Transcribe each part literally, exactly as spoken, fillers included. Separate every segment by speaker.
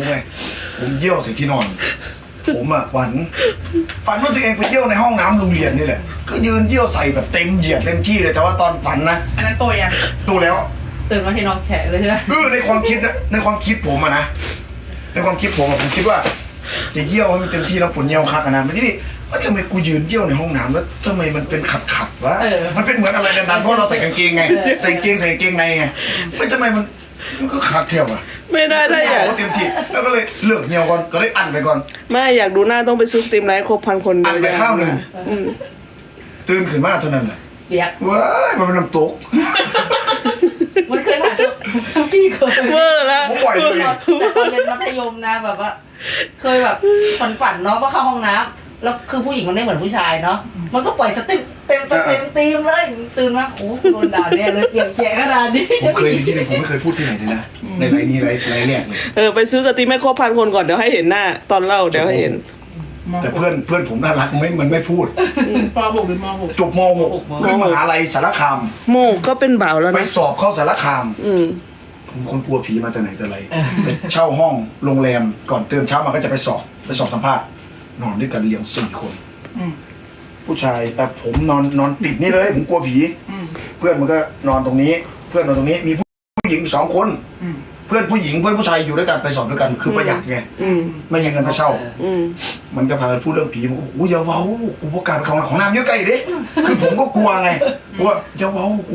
Speaker 1: ไงผมเยี่ยวใส่ที่นอนผมอะฝันฝันว่าตัวเองไปเยี่ยวในห้องน้ำโรงเรียนนี่แหละก็ยืนเยี่ยวใส่แบบเต็มเหยียดเต็มที่เลยแต่ว่าตอนฝันนะ
Speaker 2: อันนั้นโตยัง
Speaker 1: โตแล้ว
Speaker 3: ตื่นมาที่น้องแฉะเลยใช่ไหม
Speaker 1: เออในความคิดนะในความคิดผมอะนะในความคิดผมอะผมคิดว่าจะเยี่ยวให้มันเต็มที่แล้วผลเยี่ยวคักนะไม่ใช่ดิว่าทำไมกูยืนเยี่ยวในห้องน้ำแล้วทำไมมันเป็นขัดขัดวะมันเป็นเหมือนอะไรดันๆเพราะเราใส่กางเกงไงใส่กางเกงใส่กางเกงในไงไม่ทำไมมันมันก็ขัดเที่ยวอะ
Speaker 4: ไม่ได้ถ้าอยาก
Speaker 1: เต็มที่แล้วก็เลยเลือกเหี่ยวก่อนก็เลยอั้นไปก่อน
Speaker 4: ไม่อยากดูหน้าต้องไปซื้อสตรีมไลท์ครบพันคน
Speaker 1: อั้นไปข้าวหนึ่งตื่นขึ้นมาเท่านั้นแหละ
Speaker 3: เปียก
Speaker 1: ว้ายมันเป็นน้ำตก
Speaker 3: มันเคยผ่านพี่เคย
Speaker 4: เวอร์แล้ว
Speaker 1: ผมปล่อยเลย
Speaker 3: แต่ตอนเรียนมัธยมนะแบบว่าเคยแบบฝันฝันเนาะว่าเข้าห้องน้ำแล้วคือผู้หญิงมันไม่เหมือนผู้ชายเนาะมันก็ปล่อยสติเต็มเต็มเต็มเลยตื่นมาโอ้โดนด่าเนี่ยเลยเปียกแฉะขนาดนี้
Speaker 1: ผมเคยที่ไหนผมไม่เคยพูดที่ไหนเลยนะในไลน์นี้ไลน์ไลน์แรกเลย
Speaker 4: เออไปซื้อสตรีมให้ครบพันคนก่อนเดี๋ยวให้เห็นหน้าตอนเล่าเดี๋ยวให้เห็น
Speaker 1: แต่เพื่อนเพื่อนผมน่ารักไม่มันไม่พูด
Speaker 2: ป.หกหรือม.หก
Speaker 1: จบม.หกขึ้นมหาลัยสารคาม
Speaker 4: โมก็เป็นบ่าวแล้วนะ
Speaker 1: ไปสอบเข้าสารคาม
Speaker 4: อืม
Speaker 1: ผมคนกลัวผีมาแต่ไหนแต่ไรไปเช่าห้องโรงแรมก่อนตื่นเช้ามาก็จะไปสอบไปสอบสัมภาษณ์นอนด้วยกันเรียงสี่คนผู้ชายแต่ผมนอนนอนติดนี่เลยผมกลัวผีเพื่อนมันก็นอนตรงนี้เพื่อนนอนตรงนี้มีผู้หญิงสองคนเพื่อนผู้หญิงเพื่อนผู้ชายอยู่ด้วยกันไปสอบด้วยกันคือประหยัดไงไม่ยังเงินไปเช่ามันก็พากันพูดเรื่องผีผมก็โอ้ยอย่าเว้ากูประกาศของของน้ำเยอะไกลดิคือผมก็กลัวไงว่าอย่าเว้ากู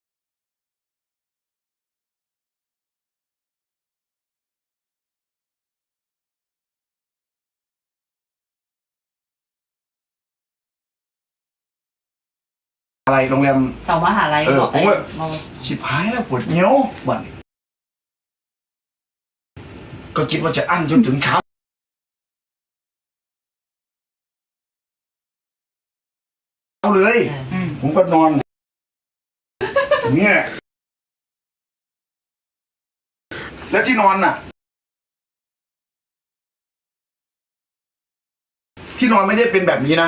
Speaker 1: อะไรโรงแรม
Speaker 3: แถวมหาลัย
Speaker 1: เออผมว่าชิบหายแล้วปวดเงี้ยวบ้านก็คิดว่าจะอั้นจนถึงเช้าเลยผมก็นอนอย่างเงี้ยแล้วที่นอนน่ะที่นอนไม่ได้เป็นแบบนี้นะ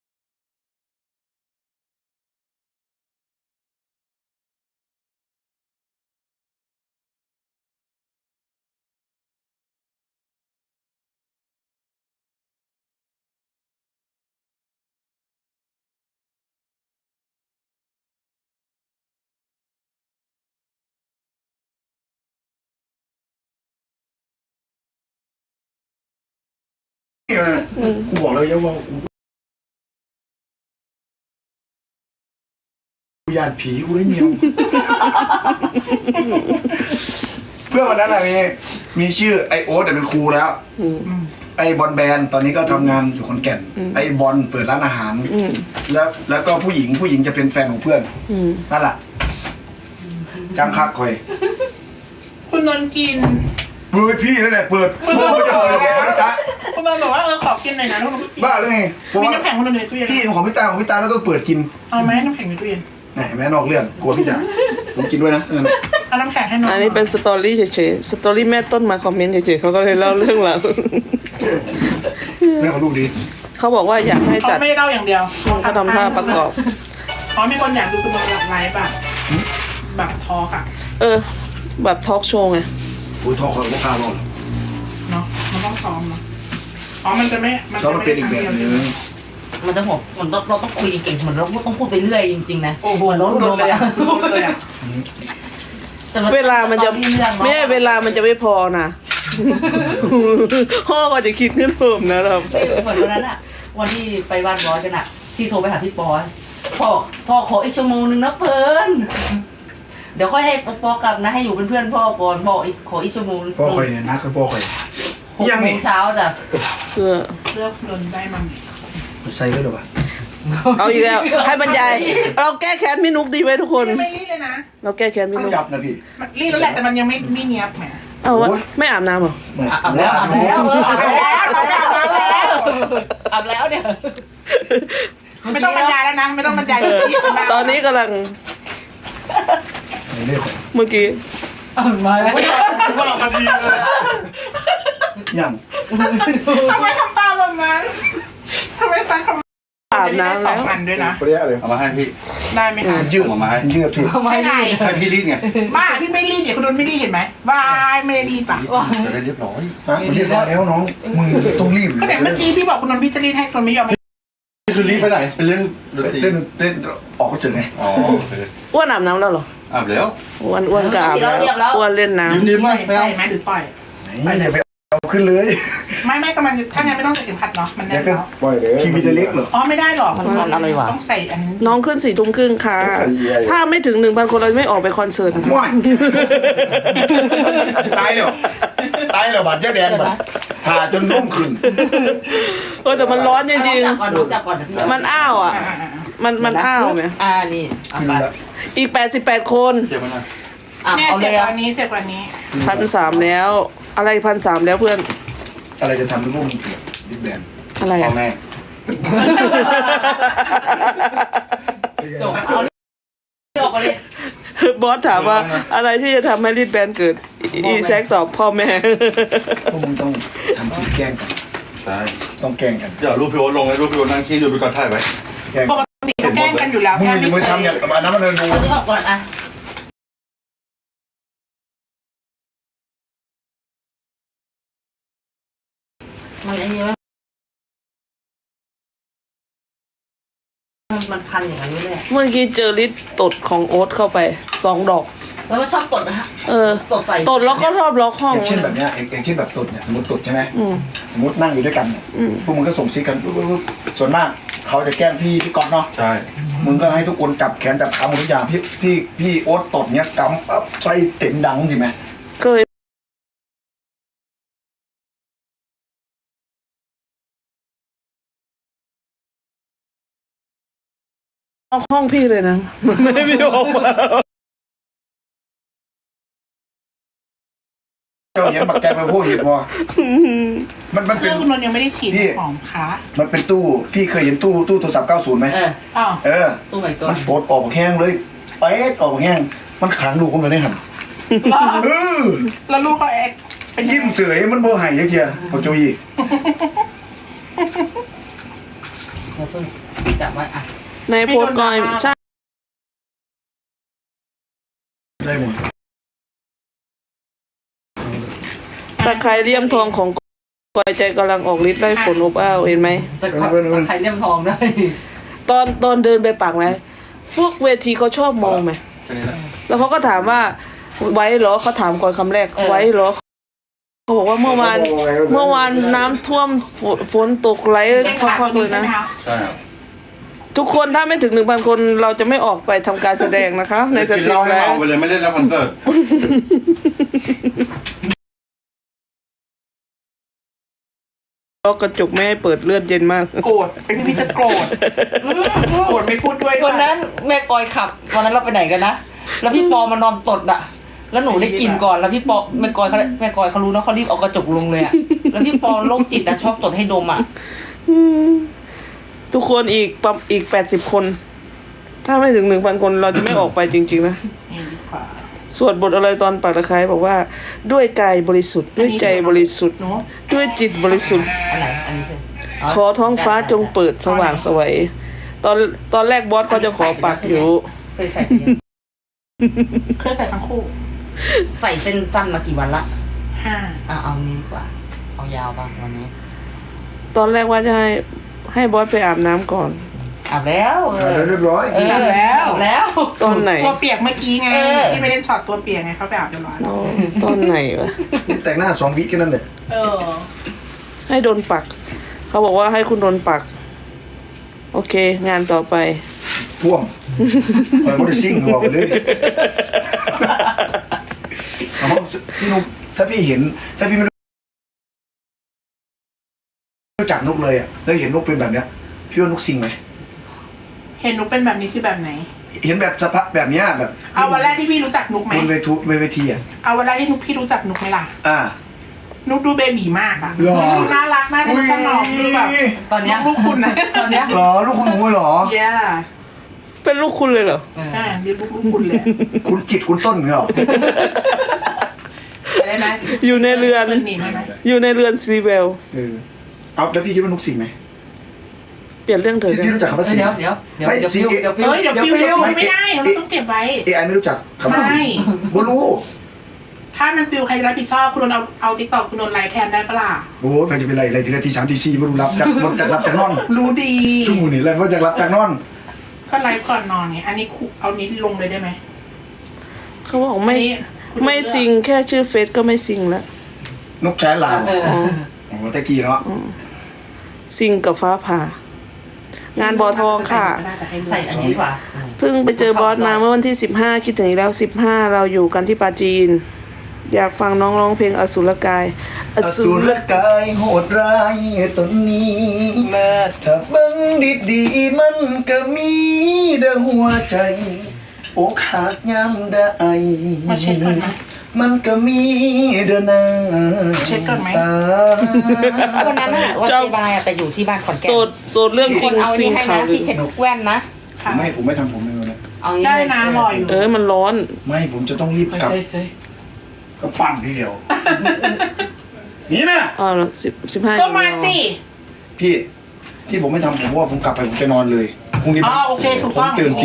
Speaker 1: กูบอกเลยว่ากูยานผีกูได้เงี้ยวเพื่อนวันนั้นอะไรมีชื่อไอโอ๊ตแต่เป็นครูแล้วไอบอลแบนตอนนี้ก็ทำงานอยู่ขอนแก่นไอบอลเปิดร้านอาหารแล้วแล้วก็ผู้หญิงผู้หญิงจะเป็นแฟนของเพื่อนนั่นแหละจังคักคอย
Speaker 2: คุณนนกิน
Speaker 1: เฮ้ยพี่นั่นแหละเปิดเมื่อไม่จะเปิดเลยนะจ๊ะ
Speaker 2: คุณนนบอกว่าเออขอกินหน่อยนะคุณ
Speaker 1: บ้าเลย
Speaker 2: มีน้ำแข็งคุณนนในตู้เย็น
Speaker 1: พี่ของพี่ตาของพี่ตาแล้วก็เปิดกิน
Speaker 2: เอาไหมน้ำแข็งในตู้เย็น
Speaker 1: ไหนแม่นอกเรื่องกลัวพี่จ๋าผมกินด้วยนะ
Speaker 2: เอาน้ำแข็งให้น้อง
Speaker 4: อันนี้เป็นสตอรี่เฉยๆสตอรี่แม่ต้นมาคอมเมนต์เฉยๆเขาก็เลยเล่าเรื่องราว
Speaker 1: แม่เขาดูดี
Speaker 4: เขาบอกว่าอยากให้จัด
Speaker 2: เขาไม่ได้เล่าอย่างเดียว
Speaker 4: เขาทำท่าประกอบ
Speaker 2: อ๋อมีคนอยากดูคุณนนไลฟ์แบบแบบทอล์กอ่ะ
Speaker 4: เออแบบทอล์กโชว์ไง
Speaker 1: อุ้ยทอล์กเขาก็พาเรา
Speaker 2: เนาะมันต้องซ้อมเนาะอ๋อมันจะไม่
Speaker 1: มันจะไม่เป็นอีกแบบนึง
Speaker 3: มันจะหมดมันต้องเราต้องคุยเก่งเหมือนเราต้องพูดไปเรื่อยจริงๆนะ
Speaker 2: โอ้โหรถรถเลยอะรถเลยอะ
Speaker 4: เวลามันจะไม่เวลามันจะไม่พอนะพ่อก็จะคิดเงินเพิ่มนะครับ
Speaker 3: เหมือนวันนั้นอะวันที่ไปบ้านบอสกันอะที่โทรไปหาพี่ปอพ่อพ่อขออีกชั่วโมงนึงนะเฟิร์นเดี๋ยวค่อยให้ปอกลับนะให้อยู่เป็นเพื่อนพ่อก่อนพ่ออีกขออีกชั่วโมง
Speaker 1: พ่อคอยเนี่ยนักกับพ่อคอย
Speaker 3: ยังนี่เช้าจ้ะ
Speaker 4: เสื้อ
Speaker 2: เลือกนนได้มัน
Speaker 1: ใส่ได้หรือเปล่า
Speaker 4: เอาอีกแล้วให้บรรยายเราแก้แค้นพี่นุ๊กดีไหมทุกคน
Speaker 2: ไม่รีดเลยนะ
Speaker 4: เราแก้แค้นพี่นุ๊ก
Speaker 1: ยับนะพี่
Speaker 2: รีดแล้วแหละแต่มันยังไม่ไม่เนียบแหม
Speaker 4: เอาวะไม่อาบน้ำหรอ
Speaker 3: อาบแล้วอาบแล้วอาบแล้วอาบแล้วอาบแล้วเนี่ย
Speaker 2: ไม่ต้องบรรยายแล้วนะไม่ต้องบรรยาย
Speaker 4: ตอนนี้กำลังเมื่อกี้
Speaker 3: อ่านมาแล้ว
Speaker 1: ว่าพอดีเลยยัง
Speaker 2: ทำไมทำตาแบบนั้นทำไมซักคำ
Speaker 4: อาบน้ำแล้ว
Speaker 2: สองอันด้วยนะ
Speaker 1: เปรี้ยเลยเอามาให้พี่
Speaker 2: ได้ไหมคะ
Speaker 1: ยืด
Speaker 5: เอามาให้
Speaker 1: ยืดพี่
Speaker 3: ทำไม
Speaker 2: ไม่ไง
Speaker 5: ให้พี่รีดไง
Speaker 2: บ้าพี่ไม่รีดเดี๋ยวคุณโดนไม่รีดเห็นไหมวายไม่ได้รีดปะ
Speaker 5: จะได้เรียบร้อย
Speaker 1: ฮะมันเรียบร้อยแล้วน้องมึงต้องรีบ
Speaker 2: ก็ไหนเมื่อกี้พี่บอกคุณโดนพี่จะรีดให้คนไม่ยอม
Speaker 5: นี่คือรีดไปไหนไปเล่นดนตรี
Speaker 1: เล่นเล่นออกก็เจอไง
Speaker 5: อ๋อโอเค
Speaker 4: อ้วนอาบน้ำแล้วเหรอ
Speaker 5: อาบแล้ว
Speaker 4: อ้วนอ้วนก็อาบแล้วอ้วนเล่นน้
Speaker 5: ยิ้มยิ้ม
Speaker 2: ใส่
Speaker 5: ไม่
Speaker 2: ใส่
Speaker 5: เอา
Speaker 2: ไหมหรือปล่อย
Speaker 1: ไหนอย่าไปเอาขึ้นเลย
Speaker 2: ไม่ไม่กำลังถ้างั้นไม่ต้องใส่เข็มขัดเนาะมันแน่
Speaker 1: แล้ว
Speaker 2: น
Speaker 1: ก็
Speaker 2: แล้ว
Speaker 1: ปล่อยเลยทีวีจะเล็กเหรอ
Speaker 2: อ๋อไม่ได้หรอกต้องใส่อันนี้
Speaker 4: ำน้องขึ้นสี่ทุ่มครึ่งค่ะ ถ้าไม่ถึงหนึ่งพันคนเราไม่ออกไปคอนเสิร์ตนะคะ
Speaker 1: ว้ายตายเลยตายเลยบัตรเจ๊แดงบัตรผ่าจนร่มขึ้น
Speaker 4: เออแต่มันร้อนจริง
Speaker 3: จับก่อนน้องจับก่อนนะพี่
Speaker 4: ๆมันอ้าวอ่ะ มันมันอ้าวไหม
Speaker 3: อ่านี่เอา
Speaker 1: ขึ้น
Speaker 3: ไป
Speaker 1: แล้ว
Speaker 4: อีกแปดสิบแปดคน
Speaker 5: เจ็บไหมนะ
Speaker 3: อ่ะ
Speaker 2: เนี่ย
Speaker 3: เอาเล
Speaker 2: เสีย
Speaker 3: ย
Speaker 2: บ
Speaker 3: อ่ะ
Speaker 2: อันนี้เสียบอันนี้
Speaker 4: พันสามแล้ว อะไรพันสามแล้วเพื่อน
Speaker 1: อะไรจะทำให้ร่มเปียกดิบแดง
Speaker 4: อะไร
Speaker 5: พ่อ
Speaker 4: อ่ะ
Speaker 5: แม่
Speaker 3: จบเอานี่ออกไปเลย
Speaker 4: บอสถามว่าอะไรที่จะทำให้รีดแบนเกิด อีแซกตอบพ่อแม่
Speaker 1: พวกมึงต้องทำทีแกล้งกัน
Speaker 5: ใช่
Speaker 1: ต้องแกล้งกัน
Speaker 5: เดี๋ยวรูปพี่โอ๊ตลงเลยรูปพี่โอ๊ตนั่งชี้อยู่ไปก่อนถ่ายไว้
Speaker 1: แกล้ง
Speaker 2: ปกติเขาแกล้งกันอยู่แล้ว
Speaker 1: มึง
Speaker 2: แค่
Speaker 1: อย่า
Speaker 2: ไม่
Speaker 1: ไปทำอย่างอันนั้นมันดู
Speaker 3: เอานี่ออกก่อนอ่ะมันไอ้นี่ไหมมันมันพันอย่างนั้นไม่เลยอะ
Speaker 4: เมื่อกี้เจอลิดตดของโอ๊ตเข้าไปสองดอก
Speaker 3: แล้วมันชอบตดนะฮะ
Speaker 4: เออ
Speaker 3: ตดใส่
Speaker 4: ตดแล้วก็ชอบล็อกห้อง
Speaker 1: อย่างเช่นแบบเนี้ยอย่างเช่นแบบตุดเนี่ยสมมติตุดใช่ไหม
Speaker 4: อืม
Speaker 1: สมมตินั่งอยู่ด้วยกันเนี่ย
Speaker 4: อืม
Speaker 1: พวกมึงก็ส่งซิกกันปุ๊บปุ๊บปุ๊บส่วนมากเขาจะแกล้งพี่พี่ก๊อตเนาะ
Speaker 5: ใช่
Speaker 1: มึงก็ให้ทุกคนจับแขนจับขาหมดทุกอย่างพี่พี่พี่โอ๊ตตดเนี้ยกำปั๊บใส่เต็มดังสิไหม
Speaker 4: เคยล็อกห้องพี่เลยนะ ไม่ได้พี่ออกมา
Speaker 1: เจ้าเห็นบักแจไปพูดเห็นบ่มันมันเป็
Speaker 2: เสื้
Speaker 1: น
Speaker 2: อคุณนนท์ยังไม่ได้ฉีดหอมขา
Speaker 1: มันเป็นตู้พี่เคยเห็นตู้ตู้โทรศัพท์เก้าสิบไหม
Speaker 3: เออ
Speaker 2: อ้าว
Speaker 1: เออ
Speaker 3: ตู้ใหม่ก่อ
Speaker 1: มัน นตดออกแห้งเลยเป๊ะออกแห้งมันขังดูคนไปได้หันเออ
Speaker 2: แล้วลูกเขาแอกเป็น
Speaker 1: ยิ้มเสยมันโบหายเยอะเทียพอโจยี
Speaker 3: เดี๋ยวเพิ่งจับไว้อ่ะ
Speaker 4: ในโพสต์ก่อนใช่
Speaker 1: ได้หมด
Speaker 4: ตะไคร้เลี่ยมทองของกอยใจกำลังออกฤทธิ์ไล่ฝนอบอ้าวเห็นไหม
Speaker 3: แต่ขอใครเลี่ยมทองได้
Speaker 4: ตอนตอนเดินไปปากไหมพวกเวทีเขาชอบมองไหม
Speaker 5: แค่นี้นะ
Speaker 4: แล้วเขาก็ถามว่าไว้เหรอเขาถามก่อนคำแรกไว้เหรอเขาบอกว่าเมื่อวานเมื่อวานน้ำท่วมฝนฝนตกไหล
Speaker 2: เล่นขา
Speaker 4: พักๆ
Speaker 2: ตั
Speaker 4: เล
Speaker 2: วย ใช่
Speaker 4: นะ
Speaker 2: ไหมคะ
Speaker 5: ใช่ครับ
Speaker 4: ทุกคนถ้าไม่ถึงหนึ่งพันคนเราจะไม่ออกไปทำการแสดงนะคะ ในส
Speaker 5: กิน
Speaker 4: ตรี
Speaker 5: เหล้าม ให้
Speaker 4: แล้ว
Speaker 5: เมาไปเลยไม่เล่นแล้วคอนเสิร์ต
Speaker 4: ล็อกกระจกไม่ให้เปิดเลือดเย็นมาก
Speaker 2: โกรธเป็นพี่จะโกรธโกรธไม่พูดด้วย
Speaker 3: วันนั้นแม่กอยขับวันนั้นเราไปไหนกันนะแล้วพี่ปอมานอนตดอ่ะ แล้วหนูได้กลิ่นก่อนแล้วพี่ปอแม่กอยเขาแม่กอยเขารู้นะเขารีบเอากระจกลงเลยอ่ะแล้วพี่ปอโรคจิตอ่ะชอบตดให้ดมอ่ะ
Speaker 4: ทุกคนอีกประอีกแปดสิบคน ถ้าไม่ถึงหนึ่งพันคนเราจะไม่ออกไปจริงๆนะ
Speaker 2: นี่ดีกว่า
Speaker 4: สวดบทอะไรตอนปักตะไคร้บอกว่า ด้วยกายบริสุทธิ์ด้วยใจบริสุทธิ์
Speaker 2: เนาะ
Speaker 4: ด้วยจิตบริสุทธิ์
Speaker 3: อันไหนอันนี้ใช่
Speaker 4: ขอท้องฟ้าจงเปิดสว่างไสวัยตอนตอนแรกบอสเขาจะขอปักอยู่
Speaker 3: เคยใส่เนี่ย
Speaker 2: เคยใส่ทั้งคู่
Speaker 3: ใส่เส้นสั้นมากี่วันละ
Speaker 2: ห้า
Speaker 3: อ่ะเอานี้ดีกว่าเอายาวบ้างวันนี้
Speaker 4: ตอนแรกว่าจะให้ให้บอสไปอาบน้ำก่อน
Speaker 3: อาบแล้วเอ
Speaker 1: อ่า
Speaker 3: อ
Speaker 1: เรียบร้อย
Speaker 3: เอออาบแล้ว
Speaker 4: ตอนไหน
Speaker 2: ตัวเปียกเมื่อกี้ไง
Speaker 3: เออ
Speaker 2: ที่ไปเล่นช็อตตัวเปียกไงเขาไปอาบเรียบร้อย
Speaker 4: อ๋อตอนไหนวะ
Speaker 1: แต่งหน้าสองวิแค่นั้นเลย
Speaker 2: เออ
Speaker 4: ให้โดนปัก เขาบอกว่าให้คุณโดนปัก โอเค งานต่อไป
Speaker 1: พ่วงเปิดมอเตอร์ซิ่งหัวไปเลยเอาพี่นุ๊กถ้าพี่เห็น ถ้าพี่ไม่รู้จักนุ๊กเลยอ่ะแล้วเห็นนุ๊กเป็นแบบเนี้ยพี่ว่านุ๊กซิงไหม
Speaker 2: เห็นนุกเป็นแบบนี้คือแบบไหน
Speaker 1: เห็นแบบสภาพแบบเนี้ยแบบ
Speaker 2: เอาวันแรกที่พี่รู้จักนุกไหม
Speaker 1: บนเวทีเวทีอ่ะ
Speaker 2: เอาวันแรกที่นุกพี่รู้จักนุกไหมล่ะ
Speaker 1: อ่า
Speaker 2: นุกดูเบบีมากอะ
Speaker 1: หรอ
Speaker 2: ดูน่ารักน่ารักขนมดูแบบ
Speaker 3: ตอนเนี้ย
Speaker 2: ลูกคุณนะ
Speaker 3: ตอนเนี้ย
Speaker 1: หรอลูกคุณหนูเหรอ
Speaker 2: เย้
Speaker 4: เป็นลูกคุณเลยเหรอ
Speaker 2: ใช่เรียกลูกลูกคุณเลย
Speaker 1: คุณจิตคุณต้นเหรอ
Speaker 2: ได้ไหม
Speaker 4: อยู่ในเรือน
Speaker 2: เป็นหนีไหมไหม
Speaker 4: อยู่ในเรือนซีเวล
Speaker 1: เออเอาแล้วพี่คิดว่านุ๊กซิงไหม
Speaker 4: เปลี่ยนเรื่องเถอะ
Speaker 1: พี่พี่รู้จักคำว่าซิง
Speaker 3: เดี๋ยวเดี๋ยวเดี๋ยว
Speaker 1: ไม่
Speaker 3: เดี๋ยว
Speaker 1: ซี
Speaker 3: ฟิว
Speaker 1: เอ
Speaker 3: เดี๋ยวฟิว
Speaker 2: เฮ้ยเดี๋ยวปิว
Speaker 3: เดี๋ยว
Speaker 2: เดี๋ยว
Speaker 3: ฟิว
Speaker 2: ปิวไม่ได้เราต้องเก็บไว้
Speaker 1: เอไอไม่รู้จักคำว่าซิง
Speaker 2: ไม่
Speaker 1: บ่รู้
Speaker 2: ถ้ามันปิวใครจะรับผิดชอบคุณโดนเอาเอาติ๊กต็อกคุณโดนไลฟ์แทนได้ปะล่ะ
Speaker 1: โอ้ยใครจะเป็นไรอะไรทีละทีสามทีสี่ไม่รู้รับจากบนจากรับจากนอน
Speaker 2: รู้ดี
Speaker 1: ชั่วโมงนี้แล้วว่าจากรับจากนอน
Speaker 2: ก็ไลฟ์ก่อนนอนไงอันนี้คุเอานี้ลงเลยได้ไหม
Speaker 4: เขาบอกไม่
Speaker 2: อันนี้คุณ
Speaker 4: ไม่ซิงแค่ชื่อเฟซก็ไม่ซิงแล้ว
Speaker 1: นกแช้ลาว
Speaker 3: เออ
Speaker 1: โอ้โหตะกี้เนาะ
Speaker 4: ซิงกับฟ้าผ่า งานบอทองค่ะ
Speaker 3: ใส่อันนี้ดีกว่า
Speaker 4: เพิ่งไปเจอบอสมาเมื่อวันที่สิบห้าคิดถึงอีกแล้วสิบห้าเราอยู่กันที่ปาจีน อยากฟังน้องร้องเพลงอสุรกาย อ
Speaker 1: อ
Speaker 4: สุ
Speaker 1: สุ
Speaker 4: ร
Speaker 1: รกายโหดร้ายตนนี้แม้ถ้าเบังดีดีๆมันก็มีเด้อหัวใจอกหักยามได้
Speaker 2: มาเช็คก่อนไหม
Speaker 1: มันก็มีเด้อนา
Speaker 2: เช็คก่อนไหม
Speaker 1: ตา
Speaker 3: วันนั้นอะวันเจบายอะแต่อยู่ที่บ้านขอนแก่
Speaker 4: โส
Speaker 3: น
Speaker 4: ดโสดเรื่องจ
Speaker 3: ค
Speaker 4: ริ
Speaker 3: น
Speaker 4: ง
Speaker 3: เอา
Speaker 4: ซิ
Speaker 3: นี่
Speaker 4: ง
Speaker 3: ให้
Speaker 4: ข่า
Speaker 3: นะ
Speaker 4: วลื
Speaker 3: ที่
Speaker 4: อ
Speaker 3: เช็ดแว่นนะ
Speaker 1: ไม่ผมไม่ทำผมในวันนี้
Speaker 3: เอางี้
Speaker 2: ได้
Speaker 3: เลย
Speaker 2: นะรออยู่
Speaker 4: เออมันร้อน
Speaker 1: ไม่ผมจะต้องรีบกลับ
Speaker 2: เฮ้ยเฮ้ย
Speaker 1: ก็ปั้งทีเดียว นี่นะ
Speaker 4: อ๋อสิบสิบห้า
Speaker 2: ก็มาสิ
Speaker 1: พี่ที่ผมไม่ทำผมว่าผมกลับไปผมจะนอนเลยพรุ่งนี้
Speaker 2: อ๋อโอเคถูก
Speaker 1: ผม
Speaker 2: ต้อง
Speaker 1: ตื่นตี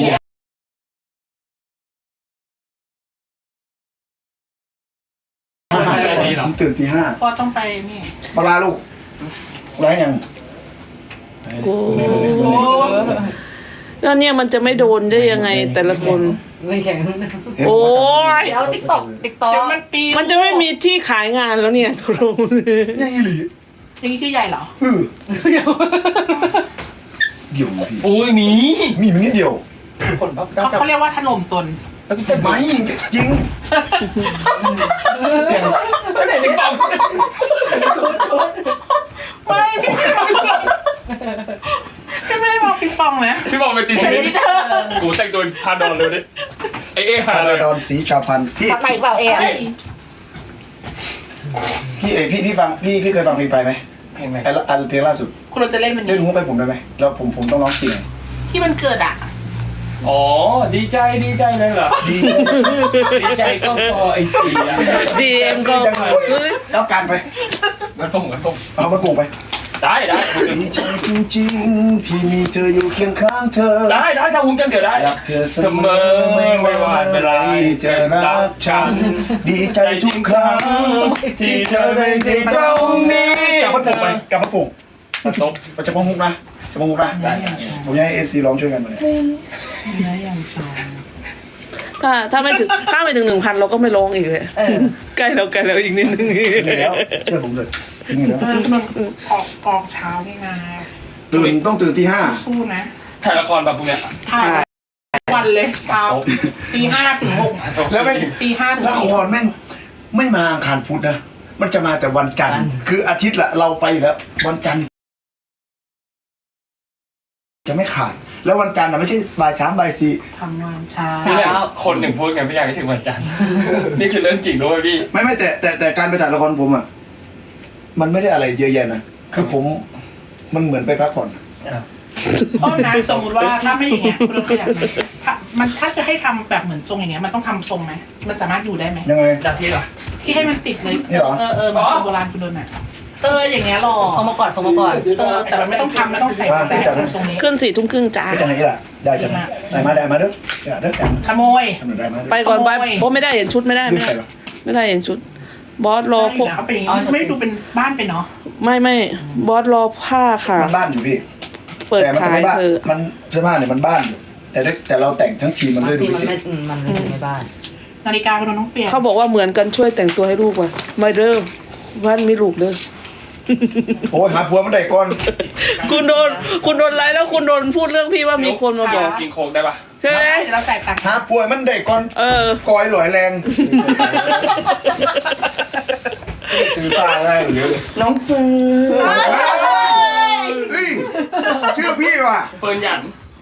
Speaker 1: ห้าผมตื่นตีห้า
Speaker 2: ก็ต้องไปนี่
Speaker 1: ปลาลูกร้ายยัง
Speaker 4: โอ้
Speaker 2: โอ้
Speaker 4: แล้วเนี่ยมันจะไม่โดนได้ยังไงแต่ละคน
Speaker 3: ไม่แข็ง
Speaker 4: โอ้ย
Speaker 3: เดี๋ยวติ๊กตอกติ๊กตอ
Speaker 2: เดี๋ย
Speaker 3: ก
Speaker 2: วมันปิว
Speaker 4: มันจะไม่มีที่ขายงานแล้วเนี่ยทุกคน
Speaker 1: ยังอีหลี
Speaker 2: อย่างนี้คือใหญ่เหรอ
Speaker 1: เออเดี๋ยวพี่
Speaker 3: โอ้ยมี
Speaker 1: มีมันนิดเดียว
Speaker 3: คนเขา
Speaker 2: เขาเขาเรียกว่าถล่มตน
Speaker 1: ไม่จริง
Speaker 3: ไม่ไหนติ๊กตอก
Speaker 2: ไม่พี่พี่ไม่ได้มองปิงปองนะ
Speaker 6: พี่บอกไปตีเทนนิสกูแต่งตัวพาดอนเลยดิไอเอ๊ะหา
Speaker 1: พา
Speaker 6: เลย
Speaker 1: ราดอนสีชาพันธ์พี่
Speaker 3: ทำไมเปล่าเอ๋
Speaker 1: พี่เอยพี่พี่ฟังพี่พี่เคยฟังเพลงไปไหม
Speaker 6: เพลงอะไร
Speaker 1: ไอ้ละอันเพลงล่าสุด
Speaker 2: คุณเราจะเล่นมัน
Speaker 1: เล่นหูไปผมได้ไหมแล้วผมผมต้องร้องจริงไง
Speaker 2: ที่มันเกิดอ่ะ
Speaker 6: อ๋อดีใจดีใจเลยเหรอ
Speaker 1: ดี
Speaker 6: ดีใจก็พอไอ้ตีอะ
Speaker 4: ดีเอ็มก็เฮ้ย
Speaker 1: แล้วการไป
Speaker 6: มันต้องมันต้อง
Speaker 1: เอามันโป่งไป
Speaker 6: ได้ได้
Speaker 1: ดีใจจริงๆที่มีเธออยู่เคียงข้างเธอ
Speaker 6: ได้ได้ถ้าหุ้มกันเดี๋ยวได้
Speaker 1: รักเธอเส
Speaker 6: เส
Speaker 1: ม
Speaker 6: ม
Speaker 1: อ
Speaker 6: อ
Speaker 1: ไม่
Speaker 6: ไม่
Speaker 1: ว่า
Speaker 6: ว่า
Speaker 1: เมื่
Speaker 6: เมื่
Speaker 1: อ
Speaker 6: อ
Speaker 1: ไร
Speaker 6: ไร
Speaker 1: จะ
Speaker 6: จะ
Speaker 1: รั
Speaker 6: รั
Speaker 1: ก
Speaker 6: ก
Speaker 1: ฉั
Speaker 6: ฉั
Speaker 1: น
Speaker 6: น
Speaker 1: ดีใจทุกครั้งที่เธอได้เจอ
Speaker 6: ตรงนี้
Speaker 1: กลับมาปลูกไปกลับมาปลูก
Speaker 6: มันตบ
Speaker 1: เราจะมองฮุกนะจะมองฮุกนะผมอยากให้เอฟซีร้องช่วยกันมาเนี่ย
Speaker 2: เนื้ออย่างชอง
Speaker 4: ถ้าถ้าไม่ถึงถ้าไม่ถึงหนึ่งพันเราก็ไม่ร้องอีกเลย
Speaker 3: เออ
Speaker 4: ใกล้แล้วใกล้แล้วอีกนิดนึง
Speaker 1: ถึงแล้วเชื่อผมเลยถึงแล้ว
Speaker 2: เออมันออกออกเช้านี่นะ
Speaker 1: ตื่นต้องตื่นที่ห้า
Speaker 2: สู้นะ
Speaker 6: ถ่ายละครแบบพวกเนี้ย
Speaker 2: ถ่ายวันเลยเช้าตีห้าถึงหก
Speaker 1: แล้วไม่
Speaker 2: ตีห้าถึง
Speaker 1: ละค
Speaker 2: สี่
Speaker 1: รแม่งไม่มาอังคารพุธนะ มันจะมาแต่วันจันทร์ คืออาทิตย์ละเราไปอยู่แล้ว วันจันทร์จะไม่ขาด แล้ววันจันทร์นะไม่ใช่บ่ายสามบ่ายสี่
Speaker 2: ทำงานเช้า
Speaker 6: นี่แหละคนหนึ่งพูดไงไม่อยากให้ถึงวันจันทร์นี่คือเรื่องจริงด้วยพี่
Speaker 1: ไม่ไม่แต่แต่แต่การไปถ่ายละครผมอ่ะ มันไม่ได้อะไรเยอะแยะนะ คือผมมันเหมือนไปพักผ่อน
Speaker 2: โอ้นะสมมติว่าถ้าไม่อย่างเงี้ยคุณเราขยันไหมถ้ามันถ้าจะให้ทำแบบเหมือนทรงอย่างเงี้ยมันต้องทำทรงไหมมันสามารถอยู่ได้ไหม
Speaker 1: ยังไง
Speaker 6: จากที่เหรอ
Speaker 2: ที่ให้มันติดเลย
Speaker 1: นี่เหรอ
Speaker 2: เออเออเหมือนทรงโบราณคุณโดนอ่ะเอออย่างเงี้ยหรอ
Speaker 3: เอามาก่อนส่งมาก่อน
Speaker 2: เออแต่มันไม่ต้องทำไม่ต้องใส่แต่ทรงนี้
Speaker 4: ขึ้นสี่ทุ่มครึ่งจ้า
Speaker 1: ไม่จะไหนล่ะ ได้จะไหนได้มาได้มาเด้อได้เด้อได้
Speaker 2: ขโมย
Speaker 1: ทำหน่อยได้มาเด้อ
Speaker 4: ไปก่อนไป
Speaker 2: โอ้ย
Speaker 4: เพราะไม่ได้เห็นชุดไม่ได้
Speaker 1: ลื
Speaker 4: ไม่
Speaker 1: ม
Speaker 4: ได้
Speaker 1: ใส่หรอ
Speaker 4: ไม่ได้เห็นชุด บอสรอพวก
Speaker 2: เอาไปอย่างงี้ไม่ดูเป็นบ้านไปเนาะ
Speaker 4: ไม่ไม่บอสรอผ้าค่ะ
Speaker 1: มันบ้านอยู่พี่
Speaker 4: เปิด
Speaker 1: แต่มันจะ
Speaker 4: ขาย
Speaker 1: ไม่บ้าน
Speaker 4: เธอ
Speaker 1: มันเสื้อผ้าเนี่ยมันบ้านอยู่ แต่ได้แต่เราแต่งทั้งทีมมัน
Speaker 3: บาง
Speaker 1: เลยดู
Speaker 3: ที
Speaker 1: พิ
Speaker 3: มัน
Speaker 1: เศษ
Speaker 3: ไม่อืมมันไม่ถึงในบ้าน
Speaker 2: นาฬิกาคุณโดนต้องเปลี่ยน
Speaker 4: เขาบอกว่าเหมือนกันช่วยแต่งตัวให้ลูกว่ะไม่เด้อวันมีลูกเด้อ
Speaker 1: โอ้ยหาผัวมันได้ก่อน
Speaker 4: คุณโดนคุณโดนไลฟ์แล้วคุณโดนพูดเรื่องพี่ว่ามีคนมาบอก
Speaker 6: กินโค้กได้ปะ
Speaker 4: ใช่ไหม
Speaker 2: เดี๋ยวเราจ่ายตังค์
Speaker 1: หาผัวมันได้ก่อน
Speaker 4: เออ
Speaker 1: กอยหลอยแรงคือตาได้หรือ
Speaker 3: น้องซื้อ
Speaker 1: เฮ้ยเชื่อพี่ว่ะ
Speaker 6: เฟิร์นหยัน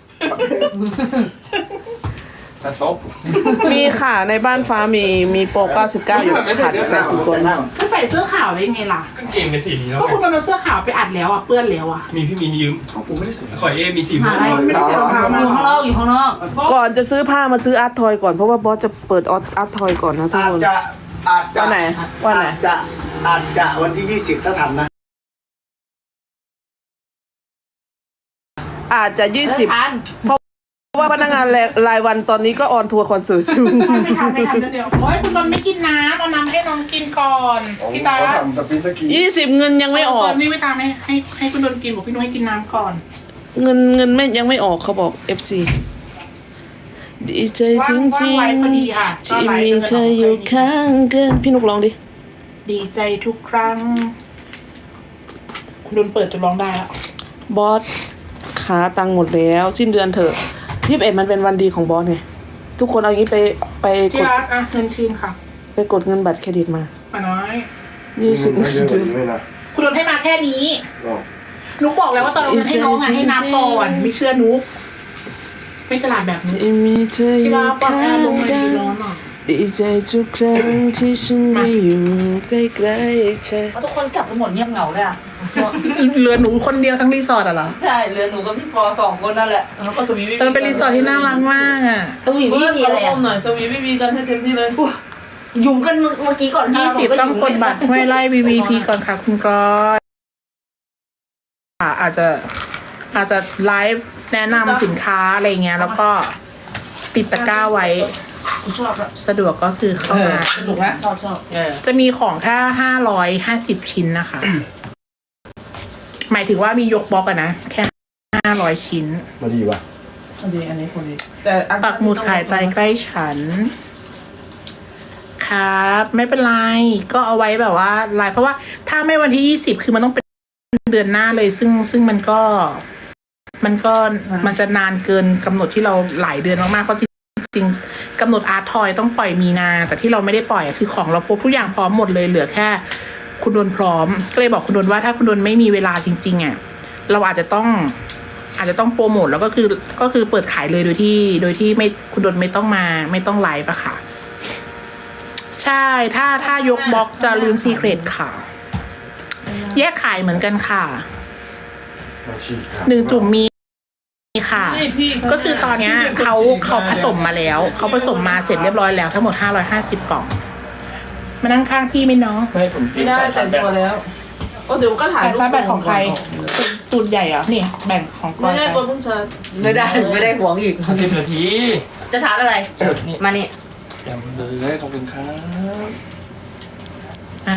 Speaker 6: กระซบ
Speaker 4: มีค่ะในบ้านฟ้ามีมีโปรเก้าสิบเก้าอยู่ขาดแปดสิบคน
Speaker 2: ก็ใส่เสื้อขาวได้ไงล่ะ
Speaker 6: กางเกงเป็นสีนี้แล้ว
Speaker 2: ก็
Speaker 6: ไง
Speaker 2: คุณโดนเสื้อขาวไปอัดแล้วอ่ะเปื้อนแล้วอ่ะ
Speaker 6: มีพี่มียืม
Speaker 1: เขาผมไม่ได้สวย
Speaker 6: ขอเอมีสี
Speaker 3: หา
Speaker 6: ม่วง
Speaker 3: อะไร
Speaker 2: ไม่ได้ใส่รองเท้า
Speaker 3: อ
Speaker 2: มา
Speaker 3: ยู่ข้างนอกอยู่ข้างนอก
Speaker 4: ก่อนจะซื้อผ้ามาซื้ออาร์ตทอยก่อนเพราะว่าบอสจะเปิดอาร์ตทอยก่อนนะทุก
Speaker 1: อา
Speaker 4: ค
Speaker 1: จ
Speaker 4: น
Speaker 1: จะอาจจะ
Speaker 4: วันไหนวันไหน
Speaker 1: อาจจะอาจจะวันที่ยี่สิบถ้าทันนะ
Speaker 4: อาจจะยี่สิบ
Speaker 3: ทัน
Speaker 4: เพราะว่าพนักงานรายวันตอนนี้ก็ออนทัวร์คอนเสิร์ตอยู่
Speaker 2: ไม่ทำไม่ทำเดี๋ยวโอ้ยคุณนนท์ไม่กินน้ำเอาน้ำให้น้องกินก่อนพี่ตา
Speaker 1: เขาทำแต่ปิ้นตะกี้
Speaker 4: ยี่สิบเงินยังไม่ออก
Speaker 2: ตอนนี้ไม่ทำให้ให้ให้คุณนนท์กินบอกพี่นุ้ยให้กินน้ำก่อน
Speaker 4: เงินเงินไม่ยังไม่ออกเขาบอก เอฟ ซี ดีใจจริงจริง
Speaker 2: ว่างๆไว้พอดีค่ะก็
Speaker 4: ที่
Speaker 2: ไลฟ์
Speaker 4: มีเธออยู่ข้างกันพี่นุกร้องดิ
Speaker 2: ดีใจทุกครั้ง คุณนนท์เปิดจนร้องได้แล้ว
Speaker 4: บอสขาตังค์หมดแล้ว สิ้นเดือนเถอะยี่สิบเอ็ดมันเป็นวันดีของบอสไงทุกคนเอาอย่างนี้ไปไปก
Speaker 2: ที่
Speaker 4: ด
Speaker 2: รักอ่ะเงินคืนค่ะ
Speaker 4: ไปกดเงินบัตรเครดิตมา
Speaker 2: ป้าน้อย
Speaker 4: ยี่สิบ
Speaker 1: ไม่เยอะกว่านี้เลยนะ
Speaker 2: คุณนนท์ให้มาแค่นี้
Speaker 1: อ๋อ
Speaker 2: นุกบอกแล้วว่าตอนเอาเงินให้น้องอ่ะให้นับก่อนไม่เชื่อนุกไม่ฉลาดแบบนี้
Speaker 4: ที่มีเธออ
Speaker 2: ที่
Speaker 4: ยู่
Speaker 2: รักปรับ
Speaker 4: ข้า
Speaker 2: แอร์ล
Speaker 4: ง
Speaker 2: งมา
Speaker 4: กั
Speaker 2: ดี
Speaker 4: น
Speaker 2: ร้อนอ่ะ
Speaker 4: ดีใจทุกครั้งที่ฉันไม่อยู่ใกล้ๆเธอ
Speaker 3: เพราะทุกคนกลับไปหมดเงียบเหงาเลยอ่ะ
Speaker 2: เหลือหนูคนเดียวทั้งรีสอร์ทอ่ะเหรอ
Speaker 3: ใช่เหลือหนูกับพี่ปอสองคนนั่นแหละแล้วก็สวี
Speaker 2: เออเป็นรีสอร์ทที่น่ารักมากอ่ะ
Speaker 3: สวีพี่มีอะไร
Speaker 4: อ
Speaker 3: อ่ะ
Speaker 4: มหน่อยสวีพี่มีกันให้เต็มที่เลย
Speaker 3: หยุ่มกันเมื่อกี้ก่อน
Speaker 2: ยี่สิบต้องกดบัตรห้วยไล่ วี วี พี ก่อนค่ะคุณก้อยอ่ะอาจจะอาจจะไลฟ์แนะนำสินค้าอะไรเงี้ย แล้วก็ติดตะกร้าไว้
Speaker 3: ชอบอะ
Speaker 2: สะดวกก็คือเข้ามา
Speaker 3: สนุกนะชอบชอบ
Speaker 2: จะมีของแค่ห้าร้อยห้าสิบชิ้นนะคะ หมายถึงว่ามียกบล็อกอะนะ แค่ห้าร้อยชิ้น
Speaker 1: มาดีป่ะ
Speaker 4: อันนี้อันนี้คนนี้แต่อัน
Speaker 2: ปักหมุดขายใจใกล้ฉัน ครับ ไม่เป็นไร ก็เอาไว้แบบว่าไลน์เพราะว่าถ้าไม่วันที่ยี่สิบคือมันต้องเป็นเดือนหน้าเลย ซึ่งซึ่งมันก็ มันก็มันจะนานเกินกำหนดที่เราหลายเดือนมากๆเพราะจริงๆกำหนดอาร์ตทอยต้องปล่อยมีนา แต่ที่เราไม่ได้ปล่อยอะคือของเราครบทุกอย่างพร้อมหมดเลยเหลือแค่ คุณดนพร้อม ก็เลยบอกคุณดนว่าถ้าคุณดนไม่มีเวลาจริงๆอ่ะเราอาจจะต้อง อาจจะต้องโปรโมทแล้วก็คือก็คือเปิดขายเลยโดยที่ โดยที่ไม่คุณดนไม่ต้องมาไม่ต้องไลฟ์อะค่ะ ใช่ถ้าถ้ายกบล็อกจะลูนซีเครตค่ะ แยกขายเหมือนกันค่ะ
Speaker 1: มาชีครับ
Speaker 2: หนึ่งจุ่มมีค่ะ
Speaker 4: นี่พี่
Speaker 2: ก็คือตอนเนี้ยเขาเขาผสมมาแล้ว เขาผสมมาเสร็จเรียบร้อยแล้วทั้งหมดห้าร้อยห้าสิบกล่อง มานั่งข้างพี่ไหมน้อง
Speaker 6: ไม่ให้ผมกิ
Speaker 4: ไม่
Speaker 6: น
Speaker 4: ได้
Speaker 6: สาย
Speaker 4: แต่
Speaker 6: พัน
Speaker 4: ง
Speaker 6: ธุ์แบบ
Speaker 4: ตัวแล้วก็เดี๋ยวก็ถ่าย
Speaker 2: แต่ซาแบตของใครตูดใหญ่เหรอนี่แบ่งของก
Speaker 4: ไม่
Speaker 2: อย
Speaker 4: ได้
Speaker 2: ไป
Speaker 4: ตัวเพิ่งชาร์จ
Speaker 3: ไม่ได้ไม่ได้ห่วงอีก
Speaker 6: สิบนาที
Speaker 3: จะชาร์จอะไร
Speaker 6: นี่
Speaker 3: มานี่
Speaker 6: เดี๋ยวเลยขอบคุณครับ
Speaker 2: อ่ะ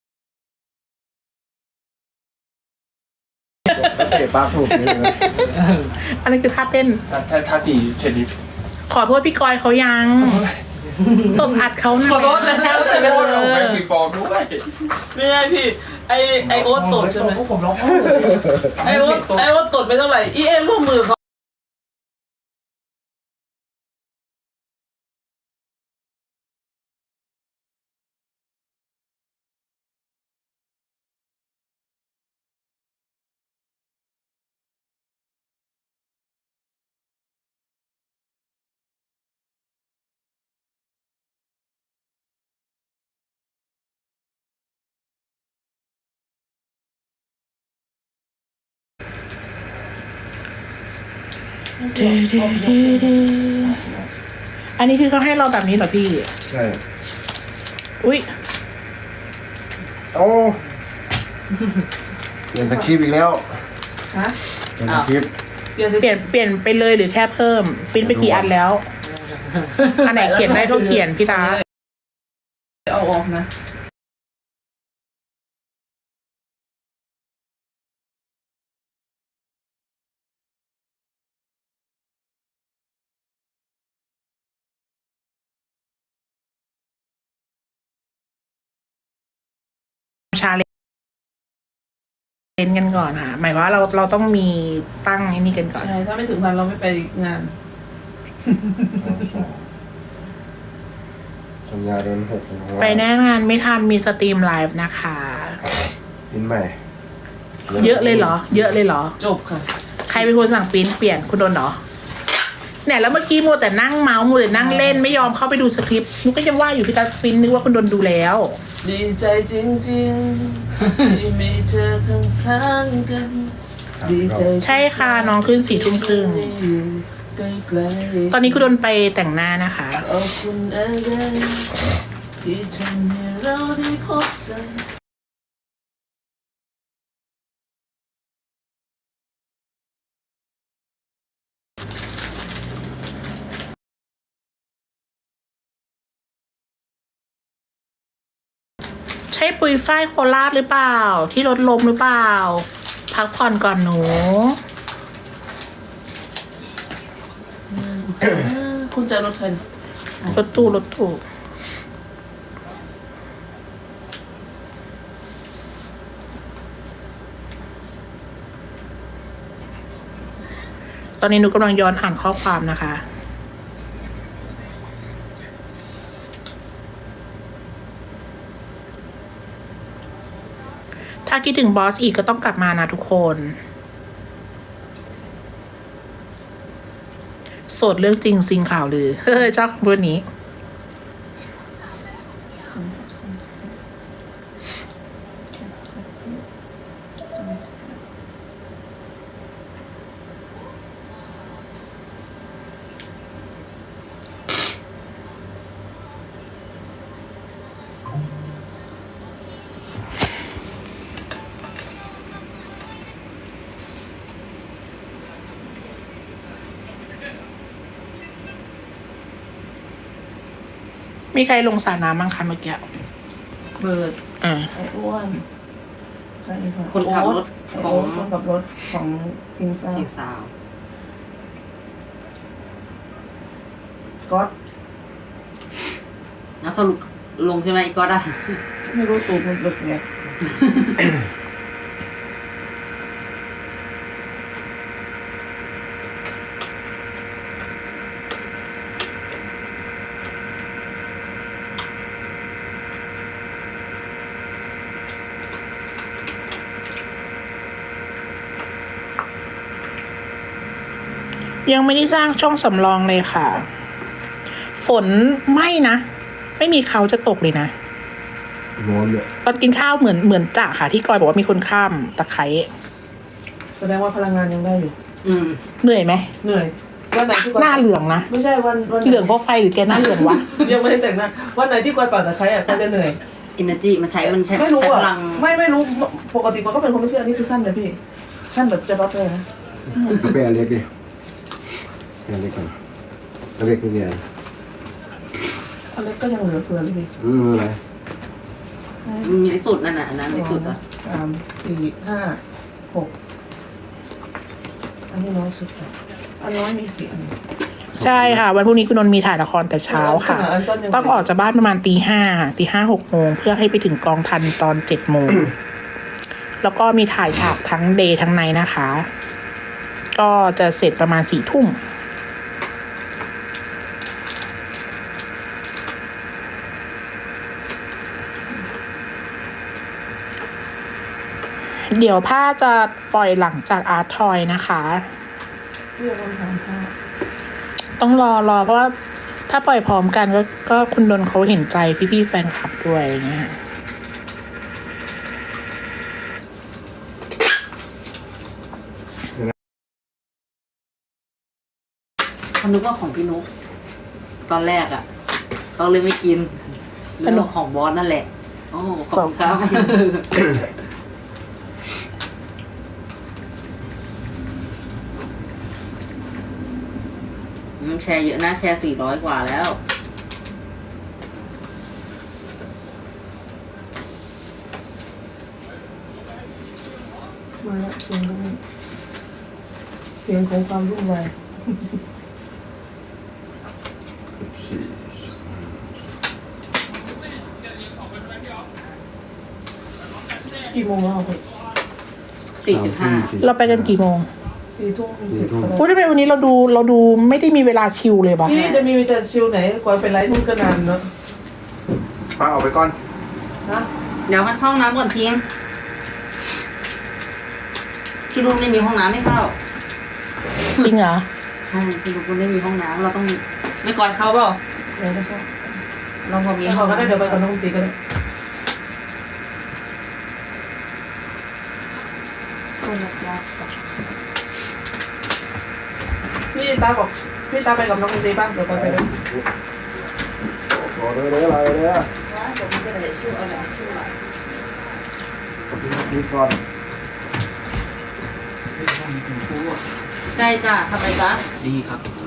Speaker 1: เตะปากถูกนี่เลย
Speaker 2: อันนี้คือท่าเต้น
Speaker 6: ถ้าถ้าถ้าตีเฉลี่ย
Speaker 2: ขอโทษพี่กอยเขายังตบอัดเขาหน่อย
Speaker 3: ขอโทษนะแต่ไม่
Speaker 6: โอ้
Speaker 3: ได้
Speaker 6: ยไปมีฟองด้วย
Speaker 4: ไม่ได้พี่ไอไอโอ๊ตตดใช่ไหม
Speaker 6: พวกผมร้องไห้
Speaker 4: ไอโอ๊ตไอโอ๊ตตดไม่เท่าไหร่อีเอ็มร่วมมือเขา
Speaker 2: อันนี้คือเขาให้เราแบบนี้เหรอพี่
Speaker 1: ใช่
Speaker 2: อุ้ย
Speaker 1: โอ้เปลี่ยนสคริปต์อีกแล้ว
Speaker 4: ฮะ
Speaker 1: เปลี่ยนสคริปต์
Speaker 4: เปลี่ยน
Speaker 2: เปลี่ยนเปลี่ยนไปเลยหรือแค่เพิ่มปริ้นไปกี่อันแล้ว อันไหนเขียนได้ก็เขียนพี่ตา
Speaker 4: เอาออกนะ
Speaker 2: ชาเลนกันก่อนค่ะหมายความว่าเราเราต้องมีตั้งไอ้นี่กันก่อน
Speaker 4: ใช่ถ้าไม่ถึงพันเราไม่ไปงาน
Speaker 1: สัญญาเดือนหก
Speaker 2: ไปแน่งานไม่ทันมีสตรีมไลฟ์นะคะ
Speaker 1: อินใหม่
Speaker 2: เยอะเลยเหรอ เยอะเลยเหรอ
Speaker 4: จบค่ะ
Speaker 2: ใครเป็นคนสั่งปริ้นเปลี่ยนคุณโดนเหรอเนี่ยแล้วเมื่อกี้มัวแต่นั่งเมาส์มัวแต่นั่งเล่นไม่ยอมเข้าไปดูสคริปต์นุกก็ยังว่าอยู่พี่ตาปริ้นนึกว่าคุณโดนดูแล้ว
Speaker 4: ดีใจจริงๆ ที่มีเธอข้างๆกัน ดีใจ
Speaker 2: ใช่ค่ะน้องขึ้นสี่ทุ่มครึ่ง
Speaker 4: ที่อยู่ใกล้ๆ
Speaker 2: ตอนนี้คุณโดนไปแต่งหน้านะคะ
Speaker 4: ขอบคุณอะไรที่ทำให้เราได้พบเจอ
Speaker 2: ใช่ปุยฝ้ายโคราชหรือเปล่า ที่รถลมหรือเปล่า พักผ่อนก่อนหนู
Speaker 4: คุณเจอรถใคร
Speaker 2: รถตู้รถตู้ตอนนี้หนูกำลังย้อนอ่านข้อความนะคะ ถ้าคิดถึงบอสอีกก็ต้องกลับมานะทุกคน โสดเรื่องจริงซิงข่าวลือ เฮ้ยชอบพูดนี้ มีใครลงสระน้ำบ้างคะเมื่อกี้
Speaker 4: เบิร์ด
Speaker 2: อ่า
Speaker 4: ไอ้อ้วนใครอีกะ
Speaker 3: คนขับรถ
Speaker 4: ไอ้
Speaker 3: ขอ
Speaker 4: โอ๊
Speaker 3: ง
Speaker 4: ตคนขับรถของทีมซ่า
Speaker 3: ทีมสาว
Speaker 4: ก๊อต
Speaker 3: แล้วสรุปลงใช่ไหมอีกก็ได้
Speaker 4: ไม่รู้ตูดมันหลุดไง
Speaker 2: ยังไม่ได้สร้างช่องสำรองเลยค่ะ ฝนไม่นะ ไม่มีเขาจะตกเลยนะ
Speaker 1: ร้อนเลย
Speaker 2: ตอนกินข้าวเหมือนเหมือนจ่าค่ะ ที่กอยบอกว่ามีคนข้ามตะไคร้
Speaker 4: แสดงว่าพลังงานยังได้อยู่
Speaker 3: อืม
Speaker 2: เหนื่อยไหม
Speaker 4: เหนื่อยวันไหนที่กว
Speaker 2: หน้าเหลืองนะ
Speaker 4: ไม่ใช่วันวัน
Speaker 2: เหลืองเพราะไฟหรือแกหน้าเหลืองวะ
Speaker 4: ยังไม่ได้แต่งหน้าวันไหนที่กวาดป่าตะไคร้อ่ะก็จะเหนื่อย
Speaker 3: อินเนอร์จีมันใช้มันใช้
Speaker 4: ไม่รู้
Speaker 3: ใช้พ
Speaker 4: อ่ะ
Speaker 3: ลัง
Speaker 4: ไม่ไม่รู้ปกติมันก็เป็นคนไม่เชื่ออันนี้คือสั้นเลยพี่ สั้นแบบจะรับเลยนะ
Speaker 7: กาแฟอันเล็กดิอันเล็กก่อนอันเล็กนี่ไง
Speaker 4: อันเล็กก็ยังเหลือเฟือเลยพี่
Speaker 7: อืมอะไร
Speaker 3: มีในสุดนั่นน่ะอันนั้นในสุดอ่ะ
Speaker 4: สามสี่ห้าหกอันนี้น้อยสุดค่ะอันน้อยมีกี่อัน
Speaker 2: ใช่ค่ะ วันพรุ่งนี้คุณนนท์มีถ่ายละครแต่เช้าค่ะ
Speaker 4: ขนาดอันสั้นยัง
Speaker 2: ต้องออกจากบ้านประมาณตีห้าตีห้าหกโมงเพื่อให้ไปถึงกองทันตอนเจ็ดโมง แล้วก็มีถ่ายฉากทั้งเดย์ทั้งไนท์นะคะ ก็จะเสร็จประมาณสี่ทุ่ม เดี๋ยวผ้าจะปล่อยหลังจากอาร์ตทอยนะคะ
Speaker 4: พี่เอาคนถามค่ะ
Speaker 2: ต้องรอรอเพราะว่าถ้าปล่อยพร้อมกันก็ก็คุณดนเขาเห็นใจพี่ๆแฟนคลับด้วยอย่างเงี้ย
Speaker 3: เขานึกว่าของพี่นุ๊กตอนแรกอ่ะเขาเลยไม่กินเรื่องของบอสนั่นแหละโอ้ขอบคุณครับอืมแชร์เยอะนะแชร์สี่ร้อยกว่าแล้ว
Speaker 4: มาแล้วเสียงรุ่งเสียงของความรุ่งไวกี่โมงแล้วอ่ะพี่
Speaker 3: สี่จุดห้า
Speaker 2: เราไปกันกี่โมง
Speaker 4: สี่ทุ่มสิบก็ได้
Speaker 2: พูดได้ไหมวันนี้เราดูเราดูไม่ได้มีเวลาชิลเลยปะ
Speaker 4: พี่จะมีวิจารณ์ชิวไหนกว่าเป็นไลฟ์ทุ่มก็นานเนอะ
Speaker 1: ป้าเอาไปก่อน
Speaker 4: นะ
Speaker 3: เดี๋ยวมันเข้าห้องน้ำก่อนทิ้งที่นู่นไม่มีห้องน้ำให้เข้า
Speaker 2: จริงเหรอ
Speaker 3: ใช่ที่นู่นไม่มีห้องน้ำเราต้องไม่ก่อนเข้าเปล่า
Speaker 4: เดี๋ยวนะครับ
Speaker 3: เราพอมี
Speaker 4: มี
Speaker 3: ห้
Speaker 4: ห้
Speaker 3: อ
Speaker 4: อง งก็ได้
Speaker 3: น้ำ
Speaker 4: เดี๋ยวไปกับน้องตีก็ได้พี่ตาบอกพี่ตาไปกับน้องตีบ้างเดี๋ยวไปไปด้วย
Speaker 1: ขอเลยเลยอะไรเลยอ่ะนี่ก่อน
Speaker 3: ใช่จ้ะทำไมจ๊ะ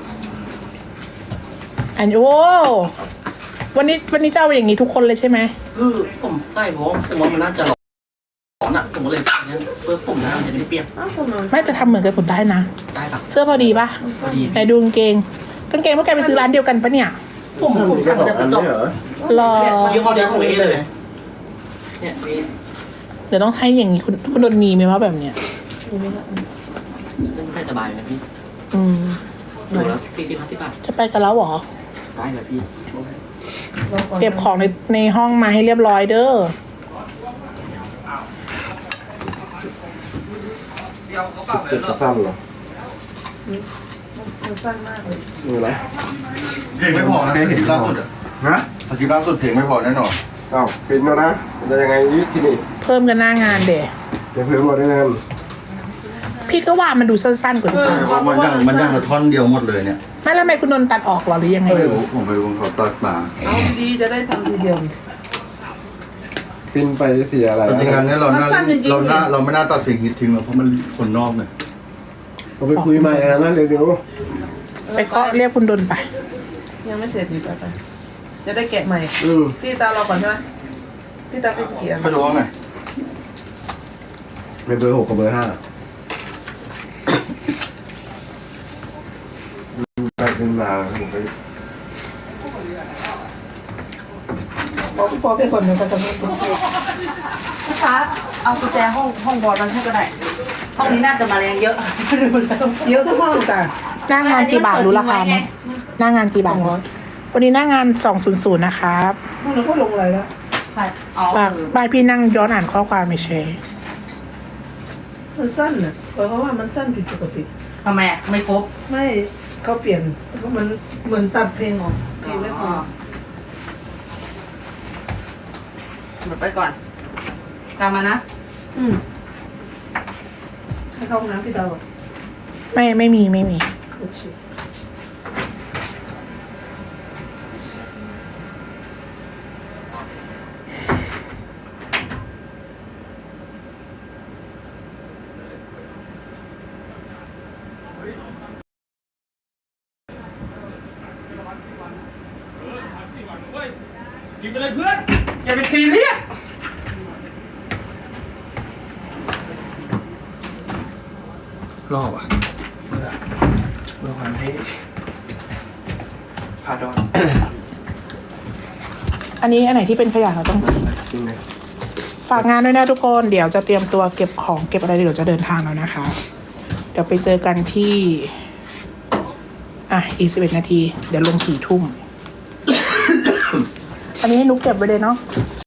Speaker 2: อันโอ้วันนี้วันนี้จะเอาอย่างนี้ทุกคนเลยใช่ไหม
Speaker 8: คือผมใส่เพราะผมว่ามันน่าจะร้อนอ่ะผมก็เลยอย่างนี้เพื่อผมนะมันจะได้ไม่เปียก
Speaker 4: อ้าวทำไม
Speaker 2: ไม่จะทำเหมือนกันผลได้นะ
Speaker 8: ได้ครับ
Speaker 2: เสื้อพอดีปะ
Speaker 8: พอดี
Speaker 2: ไหนดูกางเกงกางเกงพวกแกไปซื้อร้านเดียวกันปะเนี่ย
Speaker 8: ผมผมสั่งมาจากกระจก
Speaker 2: รอ
Speaker 8: เนี่ยยี่ห้อเดียวของเอเลยเนี่ยเอ
Speaker 2: เดี๋ยวต้องให้อย่างนี้คุณคุณโดนมีไหมว่าแบบเนี้ย
Speaker 8: ได้สบายนะพี่
Speaker 2: อืม
Speaker 8: ดูแล้วสี่สิบห้าสิบบาท
Speaker 2: จะไปกันแล้วเหรอ
Speaker 8: ได้เลยพี่
Speaker 2: เก็บของในในห้องมาให้เรียบร้อยเด้อ
Speaker 7: เก็บกระซ้ำเหรอ
Speaker 4: มันสั้นมากเลย
Speaker 7: นี่อะไร
Speaker 5: เพลงไม่พอนะคลิปล่าสุดอะ
Speaker 7: ฮะ
Speaker 5: คลิปล่าสุดเพลงไม่พอแน่นอน
Speaker 7: อ้าวเป็นแล้วนะจะยังไงยึดที่นี่
Speaker 2: เพิ่มกันหน้างานเดะ
Speaker 7: จะเพิ่มหมดได้ไง
Speaker 2: พี่ก็ว่ามันดูสั้นๆกว่านี้
Speaker 5: มันยังมันยังละท่อนเดียวหมดเลยเนี่ย
Speaker 2: ไม่แล้วทำไมคุณนนท์ตัดออกเหรอหรือยังไง
Speaker 5: ไม่รู้ผมไปดูเขาตัดมา
Speaker 4: เอาดีจะได้ทำทีเดียว
Speaker 7: ปินไปเสียอะไร
Speaker 5: จริงๆแล้วเนี่ยเราน่า
Speaker 4: มันสั้นจริงๆ
Speaker 5: เราน่าเราไม่น่าตัดเพลงฮิตทิ้งหรอกเพราะมันคนนอกเนี่ย
Speaker 7: เราไปคุยใหม่กันนะเร็ว
Speaker 2: ไปเคาะเรียกคุณดนท์ไป
Speaker 4: ยังไม่เสร็จดีไปไปจะได้แกะใหม่
Speaker 7: ๆอืม
Speaker 4: พี่ตารอก่อนใช่ไหมพี่ตาเป็นกี่อัน
Speaker 5: เขาจะว่าไง
Speaker 7: เป็นเบอร์หกกับเบอร์ห้าไปเป็นมาผมไป
Speaker 4: พอพอไปคนหนึ่งก็จะไม่เป็น
Speaker 3: ลูกค้าเอากุญแจห้องห้องบอลมันให้ก็ได้ ห้องนี้น่าจะมาแรงเยอะดูแล้ว
Speaker 4: เยอะทั้งห้องจ้ะ
Speaker 2: หน้างานกี่บาทรู้ราคาไหมหน้างานกี่บาท
Speaker 4: สองร้อย
Speaker 2: วันนี้หน้างานสองศูนย์ศูนย์นะครับ
Speaker 4: ห้องนั้นก็ลงอะไรแล้ว
Speaker 3: ค่ะอ๋อ
Speaker 2: ฝากบ้านพี่นั่งย้อนอ่านข้อความไม่ใช่
Speaker 4: มันสั้นน่ะเพราะว่ามันสั้นผิดปกติ
Speaker 3: ทำไมอะไม่ครบ
Speaker 4: ไม่เขาเปลี่ยนเพราะมันเหมือนตัดเพลงออกเพลงไม่พอ
Speaker 3: หมดไปก่อนตามมานะ
Speaker 4: อืมให้เข้าห้องน้ำพี่ตาบอก
Speaker 2: ไม่ไม่มีไม่มี
Speaker 4: โอเค
Speaker 6: กินไปเลยเพื่อน อย่าไปซีเรียสรอบอ่ะเพื่อเพื่อความให้พาดอน
Speaker 2: อันนี้อันไหนที่เป็นขยะเราต้องทิ้งฝากงานด้วยนะทุกคนเดี๋ยวจะเตรียมตัวเก็บของเก็บอะไรเดี๋ยวจะเดินทางแล้วนะคะ เดี๋ยวไปเจอกันที่ อ่ะอีกสิบเอ็ดนาที เดี๋ยวลงสี่ทุ่ม อันนี้ให้นุกเก็บไว้เลยเนาะ